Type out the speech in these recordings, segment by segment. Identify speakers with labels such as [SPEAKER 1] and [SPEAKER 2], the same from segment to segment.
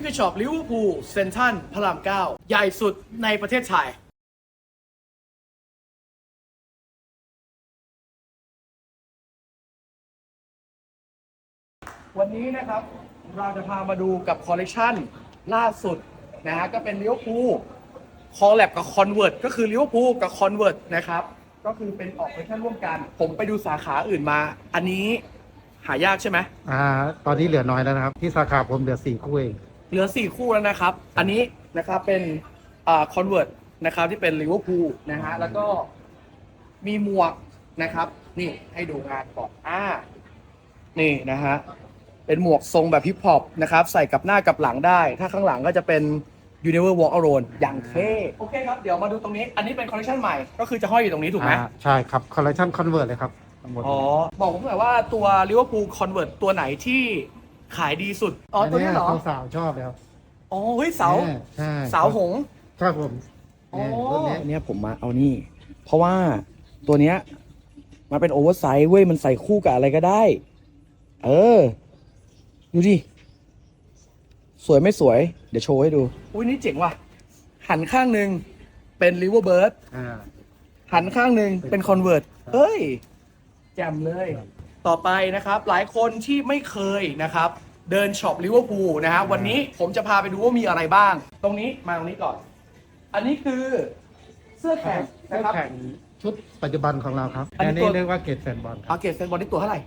[SPEAKER 1] คือช็อปลิเวอร์พูลเซ็นทรัลพระราม9ใหญ่สุดในประเทศไทยวันนี้นะครับเราจะพามาดูกับคอลเลกชันล่าสุดนะฮะก็เป็นลิเวอร์พูลคอลแลบกับคอนเวิร์ตก็คือลิเวอร์พูลกับคอนเวิร์ตนะครับก็คือเป็นออกคอลเลกชันร่วมกันผมไปดูสาขาอื่นมาอันนี้หายากใช่ไหม
[SPEAKER 2] ตอนนี้เหลือน้อยแล้วนะครับที่สาขาผมเหลือ4 คู่เอง
[SPEAKER 1] เหลือ4 คู่แล้วนะครับอันนี้นะครับเป็นคอนเวิร์ตนะครับที่เป็นลิเวอร์พูลนะฮะแล้วก็มีหมวกนะครับนี่ให้ดูงานก่อนนี่นะฮะเป็นหมวกทรงแบบฮิปฮอปนะครับใส่กับหน้ากับหลังได้ถ้าข้างหลังก็จะเป็น Universe Walk Alone อย่างเท่โอเคครับเดี๋ยวมาดูตรงนี้อันนี้เป็นคอลเลคชันใหม่ก็คือจะห้อยอยู่ตรงนี้ถูกไหม
[SPEAKER 2] ใช่ครับคอลเลคชันคอนเวิร์ตเลยครับ
[SPEAKER 1] อ๋อบอกผมหน่อยว่าตัว Liverpool Convert ตัวไหนที่ขายดีสุดตัวนี้เหรอ
[SPEAKER 2] สาวชอบเลยครับ
[SPEAKER 1] อ๋อเฮ้ยเสาหง
[SPEAKER 2] ครับผม
[SPEAKER 1] ตัวนี้ผมมาเอานี่เพราะว่าตัวเนี้ยมันเป็นโอเวอร์ไซส์เว้ยมันใส่คู่กับอะไรก็ได้ดูดิสวยไม่สวยเดี๋ยวโชว์ให้ดูอุ้ยนี่เจ๋งว่ะหันข้างหนึ่งเป็นลิเวอร์เบิร์ดหันข้างหนึ่งเป็นคอนเวิร์ตเฮ้ยแจ่มเลยต่อไปนะครับหลายคนที่ไม่เคยนะครับเดินช็อปลิเวอร์พูลนะฮะวันนี้ผมจะพาไปดูว่ามีอะไรบ้างตรงนี้มาตรงนี้ก่อนอันนี้คือเสื้อแข่งนะครับ
[SPEAKER 2] ชุดปัจจุบันของเราครับอันนี้เรียกว่าเกรดแฟนบอล
[SPEAKER 1] เกรดแฟนบอลนี่ตัวเท่าไหร่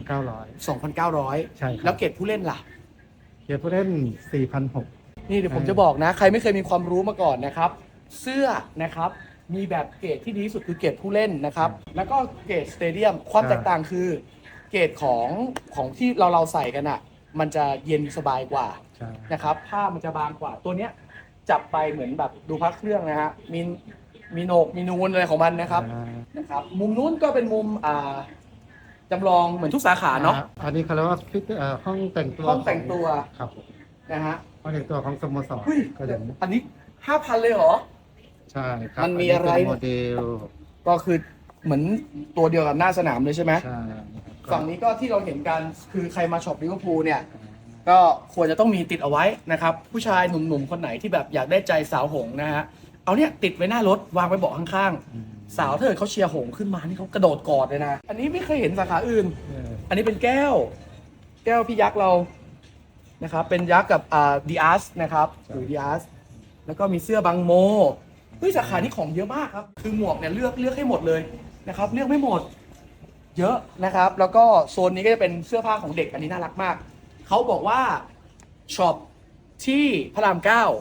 [SPEAKER 2] 2,900ใช่
[SPEAKER 1] แล้วเกรดผู้เล่นล่ะ
[SPEAKER 2] เกรดผู้เล่น4,600
[SPEAKER 1] นี่เดี๋ยวผมจะบอกนะใครไม่เคยมีความรู้มาก่อนนะครับเสื้อนะครับมีแบบเกรดที่ดีที่สุดคือเกรดผู้เล่นนะครับแล้วก็เกรดสเตเดียมความแตกต่างคือเกรดของที่เราใส่กันอ่ะมันจะเย็นสบายกว่านะครับผ้ามันจะบางกว่าตัวเนี้ยจับไปเหมือนแบบดูพักเครื่องนะฮะมีโหนกมีนูนอะไรของมันนะครับมุมนู้นก็เป็นมุมจำลองเหมือนทุกสาขาเนาะ
[SPEAKER 2] อันนี้เขาเรียกว่าห้องแต่งตัวครับ
[SPEAKER 1] นะฮะ
[SPEAKER 2] ห้องแต่งตัวของสโมสรก็อย่าง
[SPEAKER 1] อันนี้ 5,000 เลยเหรอ
[SPEAKER 2] ใช่ครับ
[SPEAKER 1] มันมีอะไร
[SPEAKER 2] โมเดล
[SPEAKER 1] ก็คือเหมือนตัวเดียวกับหน้าสนามเลยใช่ไหม
[SPEAKER 2] ใช่
[SPEAKER 1] ฝั่งนี้ก็ที่เราเห็นกันคือใครมาช็อปลิเวอร์พูลเนี่ยก็ควรจะต้องมีติดเอาไว้นะครับผู้ชายหนุ่มๆคนไหนที่แบบอยากได้ใจสาวหงนะฮะเอาเนี่ยติดไว้หน้ารถวางไว้เบาะข้างๆสาวถ้าเกิดเขาเชียร์หงขึ้นมานี่เขากระโดดกอดเลยนะอันนี้ไม่เคยเห็นสาขาอื่นอันนี้เป็นแก้วพี่ยักษ์เรานะครับเป็นยักษ์กับดีอาร์สนะครับหรือดีอาร์สแล้วก็มีเสื้อบังโมสาขานี้ของเยอะมากครับคือหมวกเนี่ยเลือกให้หมดเลยนะครับเลือกไม่หมดเยอะนะครับแล้วก็โซนนี้ก็จะเป็นเสื้อผ้าของเด็กอันนี้น่ารักมากเขาบอกว่าช็อปที่พระราม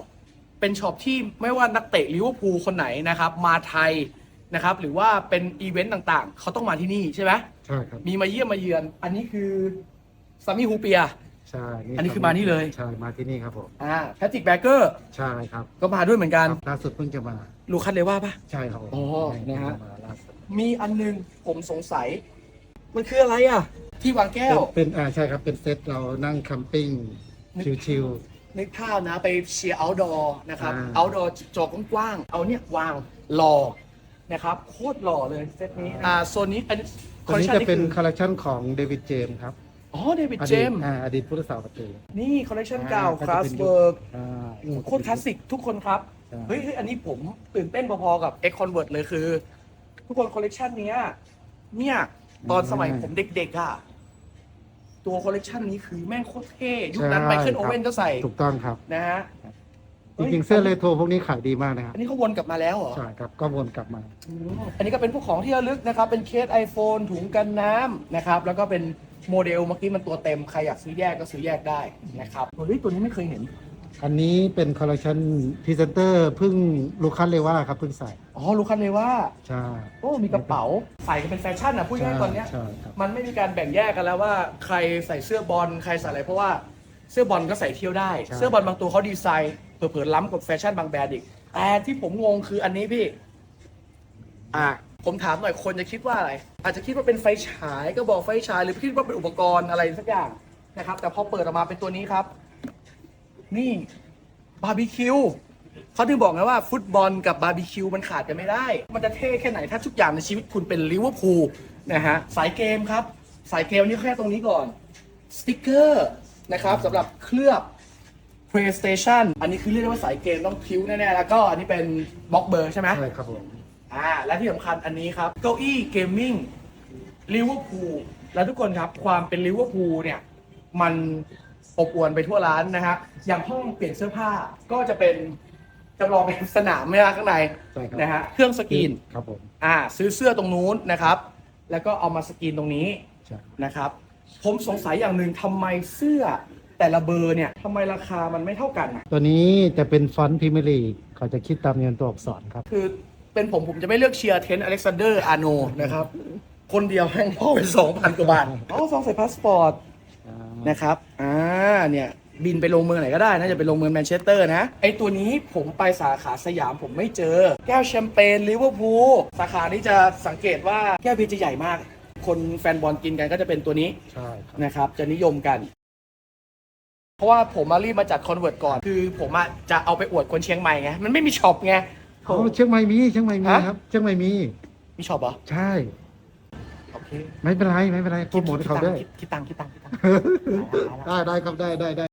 [SPEAKER 1] 9เป็นช็อปที่ไม่ว่านักเตะลิเวอร์พูลคนไหนนะครับมาไทยนะครับหรือว่าเป็นอีเวนต์ต่างๆเขาต้องมาที่นี่ใช่ไหม
[SPEAKER 2] ใช่ครับ
[SPEAKER 1] มีมาเยี่ยมมาเยือนอันนี้คือซามิฮูเปีย
[SPEAKER 2] ใช่
[SPEAKER 1] อันนี้คือมานี่เลย
[SPEAKER 2] ใช่มาที่นี่ครับผม
[SPEAKER 1] แพทริกแบเกอร์
[SPEAKER 2] ใช่ครับ
[SPEAKER 1] ก็มาด้วยเหมือนกัน
[SPEAKER 2] ล่าสุดเพิ่งจะมา
[SPEAKER 1] ลูคัสเลว่าปะ
[SPEAKER 2] ใช่ครับ
[SPEAKER 1] นะฮะมีอันนึงผมสงสัยมันคืออะไรที่วางแก้ว
[SPEAKER 2] เป็นใช่ครับเป็นเซตเรานั่งแคมปิ้งชิล
[SPEAKER 1] นึกภาพนะไปเชียร์เอาท์ดอร์นะครับเอาท์ดอร์จอกว้างๆเอาเนี่ยวางหล่อนะครับโคตรหล่อเลยเซตนี้โซนนี้
[SPEAKER 2] ตัวนี้จะเป็นคอลเลคชันของเดวิดเจมส์ครับ
[SPEAKER 1] เดวิดเจมส์
[SPEAKER 2] อดีตผู้รักษาประตู
[SPEAKER 1] นี่คอลเลคชันเก่าคลาสเบิร์กโคตรคลาสสิกทุกคนครับเฮ้ยอันนี้ผมตื่นเต้นพอๆกับ X Convert เลยคือทุกคนคอลเลคชันนี้เนี่ยตอนสมัยผมเด็กๆตัวคอลเลคชันนี้คือแม่งโคตรเท่ยุคนั้นไมเคิลโอเว่นก็ใส่
[SPEAKER 2] ถูกต้องครับ
[SPEAKER 1] นะฮะ
[SPEAKER 2] จริงๆเสื้อเรโทรพวกนี้ขายดีมากนะครับ
[SPEAKER 1] อันนี้เขาวนกลับมาแล้วเหรอ
[SPEAKER 2] ใช่ครับก็วนกลับมา
[SPEAKER 1] อันนี้ก็เป็นพวกของที่ระลึกนะครับเป็นเคส iPhone ถุงกันน้ำนะครับแล้วก็เป็นโมเดลเมื่อกี้มันตัวเต็มใครอยากซื้อแยกก็ซื้อแยกได้นะครับตัวนี้ไม่เคยเห็น
[SPEAKER 2] อันนี้เป็นคอลเลคชันพรีเซนเตอร์พึ่งลูคัสเลว่าครับเพิ่งใส่
[SPEAKER 1] ลูคัสเลว่า
[SPEAKER 2] ใช่
[SPEAKER 1] มีกระเป๋าใส่กันเป็นแฟชั่นพูดง่ายๆตอนนี้มันไม่มีการแบ่งแยกกันแล้วว่าใครใส่เสื้อบอลใครใส่อะไรเพราะว่าเสื้อบอลก็ใส่เที่ยวได้เสื้อบอลบางตัวเขาดีไซน์เผลอๆล้ำกับแฟชั่นบางแบรนด์อีกแต่ที่ผมงงคืออันนี้พี่ผมถามหน่อยคนจะคิดว่าอะไรอาจจะคิดว่าเป็นไฟฉายก็บอกไฟฉายหรือคิดว่าเป็นอุปกรณ์อะไรสักอย่างนะครับแต่พอเปิดออกมาเป็นตัวนี้ครับนี่บาร์บีคิวเขาถึงบอกไงว่าฟุตบอลกับบาร์บีคิวมันขาดกันไม่ได้มันจะเท่แค่ไหนถ้าทุกอย่างในชีวิตคุณเป็นลิเวอร์พูลนะฮะสายเกมครับสายเกมนี่แค่ตรงนี้ก่อนสติ๊กเกอร์นะครับสำหรับเคลือบ PlayStation อันนี้คือเรียกได้ว่าสายเกมต้องพิ้วแน่ๆแล้วก็อันนี้เป็นบล็อกเบอร์ใช่ไหม
[SPEAKER 2] ใช่ครับผม
[SPEAKER 1] และที่สำคัญอันนี้ครับเก้าอี้เกมมิ่งลิเวอร์พูลแล้วทุกคนครับความเป็นลิเวอร์พูลเนี่ยมันอบอวลไปทั่วร้านนะฮะอย่างห้องเปลี่ยนเสื้อผ้าก็จะเป็นจำลองเป็นสนามไม่ข้างใน
[SPEAKER 2] ใช่ครับ
[SPEAKER 1] นะฮะเครื่องสกรีน
[SPEAKER 2] ครับผม
[SPEAKER 1] ซื้อเสื้อตรงนู้นนะครับ แล้วก็เอามาสกรีนตรงนี้
[SPEAKER 2] ใช่
[SPEAKER 1] นะครับ ผมสงสัยอย่างหนึ่งทำไมเสื้อแต่ละเบอร์เนี่ยทำไมราคามันไม่เท่ากันอะ
[SPEAKER 2] ตัวนี้จะเป็นฟอนต์พรีเมียร์ลีกเขาจะคิดตามเงินตัวอักษรครับ
[SPEAKER 1] คือเป็นผมจะไม่เลือกเชียร์เทนต์อเล็กซานเดอร์อาร์โนนะครับ คนเดียวแม่งพ่อไป2,000 กว่าบาทซองใส่พาสปอร์ตนะครับเนี่ยบินไปลงเมืองไหนก็ได้นะจะไปลงเมืองแมนเชสเตอร์นะไอตัวนี้ผมไปสาขาสยามผมไม่เจอ แก้วแชมเปญลิเวอร์พูลสาขานี้จะสังเกตว่าแก้วเบียร์จะใหญ่มาก คนแฟนบอลกินกันก็จะเป็นตัวนี้
[SPEAKER 2] ใช่ครับ
[SPEAKER 1] นะครับ จะนิยมกัน เพราะว่าผมมารีบมาจัดคอนเวิร์ตก่อน คือผมจะเอาไปอวดคนเชียงใหม่ไงมันไม่มีช็อปไง
[SPEAKER 2] เชียงใหม่มี
[SPEAKER 1] ฮะ
[SPEAKER 2] ครับเชียงใหม่มี
[SPEAKER 1] มีช็อปเหรอ
[SPEAKER 2] ใช่
[SPEAKER 1] โอเค
[SPEAKER 2] ไม่เป็นไรโปรโมทให้เขาด้วย
[SPEAKER 1] คิดตังค์
[SPEAKER 2] ได้ครับได้